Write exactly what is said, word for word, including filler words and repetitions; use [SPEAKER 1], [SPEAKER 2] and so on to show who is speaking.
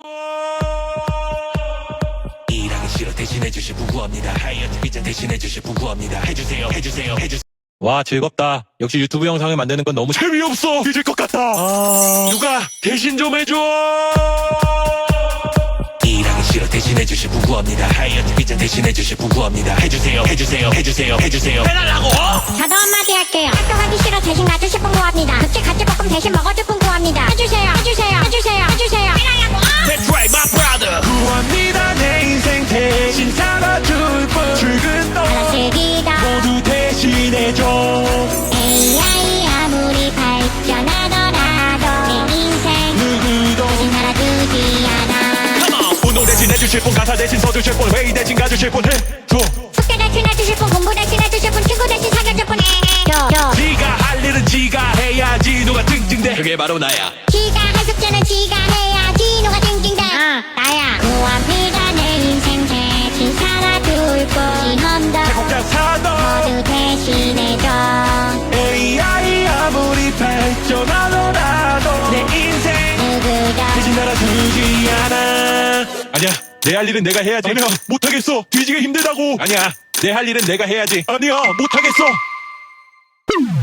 [SPEAKER 1] 일하기 싫어 대신해주실 분 구합니다. 하이어트 피자 대신해주실 분 구합니다. 해주세요 해주세요 해주세요.
[SPEAKER 2] 와, 즐겁다. 역시 유튜브 영상을 만드는 건 너무
[SPEAKER 1] 재미없어. 뒤질 것 같아.
[SPEAKER 2] 아...
[SPEAKER 1] 누가 대신 좀 해줘. 일하기 싫어 대신해주실 분 구합니다. 하이어트 피자 대신해주실 분 구합니다. 해주세요 해주세요 해주세요 해주세요 해달라고.
[SPEAKER 3] 저도 한마디 할게요. 학교 가기 싫어 대신 가주실 분 구합니다. 급식 같이 볶음 대신 먹어줄 분 구합니다. 해주세요 해주세요 해주세요 해주세요 해달라고.
[SPEAKER 1] That's right my brother.
[SPEAKER 2] 구합니다. 내 인생 대신 살아줄 분. 출근 너
[SPEAKER 3] 알아쓰기다
[SPEAKER 2] 모두 대신해줘.
[SPEAKER 3] 에이아이 아무리 발전하더라도 내 인생
[SPEAKER 2] 누구도
[SPEAKER 3] 대신 살아주지 않아.
[SPEAKER 1] Come on.
[SPEAKER 2] 운동 대신 해주실 분, 가사 대신 서주실 분, 회의 대신 가주실 분 해줘.
[SPEAKER 3] 숙제 대신 해주실 분, 공부 대신 해주실 분, 친구 대신 사귀어줄 분 해줘.
[SPEAKER 2] 지가 할 일은 지가 해야지. 누가 찡찡대.
[SPEAKER 1] 그게 바로 나야.
[SPEAKER 3] 지가 할 숙제는 지가 해야지. 누가 징징대. 어, 나야. 구합니다. 내 인생 대신 살아줄 분. 시험도
[SPEAKER 2] 제국자 사도
[SPEAKER 3] 모두 대신해줘.
[SPEAKER 2] 에이아이 아무리 발전하더라도 내 인생
[SPEAKER 3] 누구도
[SPEAKER 2] 대신 살아주지 않아. 아니야, 내 할 일은 내가 해야지. 아니야, 못하겠어. 뒤지기 힘들다고. 아니야, 내 할 일은 내가 해야지. 아니야, 못하겠어.